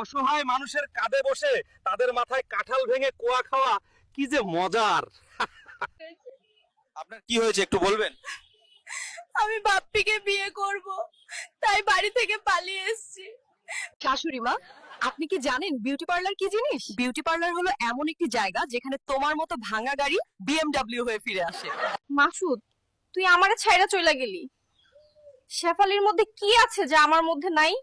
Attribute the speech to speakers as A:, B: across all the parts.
A: অসহায় মানুষের কাঁধে বসে তাদের মাথায় কাঁঠাল ভেঙে কোয়া খাওয়া কি যে মজার। আপনার কি হয়েছে একটু বলবেন?
B: আমি বাপ্পিকে বিয়ে করব, তাই বাড়ি থেকে পালিয়ে এসেছি। শাশুড়ি মা, আপনি কি জানেন বিউটি পার্লার কি জিনিস? বিউটি পার্লার হলো এমন একটি জায়গা যেখানে তোমার মতো ভাঙা গাড়ি বিএমডব্লিউ হয়ে ফিরে আসে। মাসুদ, তুই আমারে ছাইড়া চইলা গেলি। শেফালির মধ্যে কি আছে যা আমার মধ্যে নাই?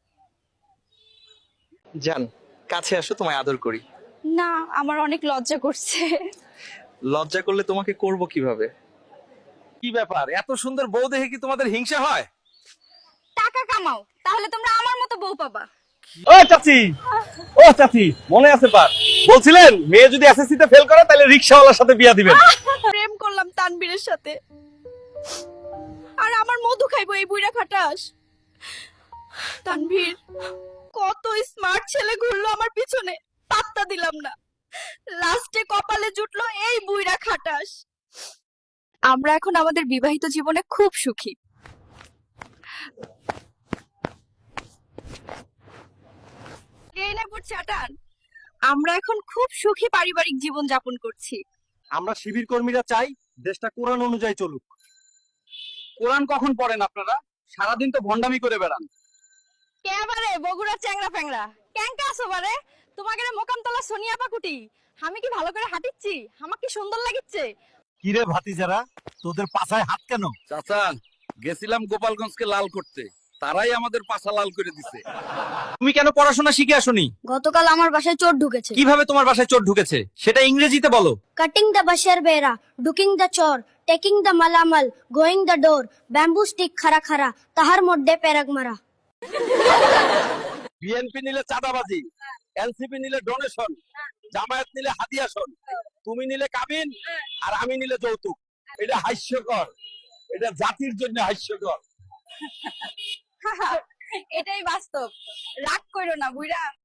A: জান, কাছে আসো, তোমায় আদর করি।
B: না, আমার অনেক লজ্জা করছে।
A: লজ্জা করলে তোমাকে করব কিভাবে? কি ব্যাপার, এত সুন্দর বউ দেখে কি তোমাদের হিংসা হয়?
B: টাকা কামাও, তাহলে তোমরা আমার মতো বউ পাবা।
A: ও চাচি, ও চাচি, মনে আছে পার বলছিলেন মেয়ে যদি এসএসসি তে ফেল করে তাহলে রিকশাওয়ালার সাথে বিয়া দিবেন।
B: প্রেম করলাম তানবীরের সাথে, আর আমার মধু খাইবো এই বুইড়া খাটাস। তানভীর, কত স্মার্ট ছেলে ঘুরলো আমার পিছনে, পাত্তা দিলাম না। লাস্টে কপালে জুটলো এই বুইড়া খাটাস। আমরা এখন আমাদের বিবাহিত জীবনে খুব সুখী। এই না পড়ছে আটান। আমরা এখন খুব সুখী পারিবারিক জীবন যাপন করছি।
A: আমরা শিবির কর্মীরা চাই দেশটা কোরআন অনুযায়ী চলুক। কোরআন কখন পড়েন আপনারা? সারাদিন তো ভন্ডামি করে বেড়ান।
B: কেবারে বগুড়া চ্যাংরা ফ্যাংরা ক্যাংকা আসো বারে। তোমাকে মোকামতলা সোনিয়া পাকুটি, আমি কি ভালো করে হাঁটিচ্ছি? আমার কি সুন্দর লাগিচ্ছে?
C: কিরে ভাতিজারা, তোদের পাছায় হাত কেন?
D: চাচা, গেছিলাম গোপালগঞ্জকে লাল করতে, তারাই আমাদের পাছা লাল করে দিছে।
A: তুমি কেন পড়াশোনা শিখে আসোনি?
E: গতকাল আমার বাসায় চোর ঢুকেছে।
A: কিভাবে তোমার বাসায় চোর ঢুকেছে সেটা ইংরেজিতে বলো।
E: কাটিং দ্য বাশের বেড়া, ডুকিং দ্য চোর, টেকিং দ্য মালামাল, going the door, bamboo stick খারা খারা, তাহার মধ্যে পেরাক মারা।
D: বিএনপি নিলে চাঁদাবাজি, এনসিপি নিলে ডোনেশন, জামায়াত নিলে হাদিয়াশন, তুমি নিলে কাবিন, আর আমি নিলে যৌতুক। এটা হাস্যকর, এটা জাতির জন্য হাস্যকর।
B: এটাই বাস্তব। রাগ করো না বুইড়া।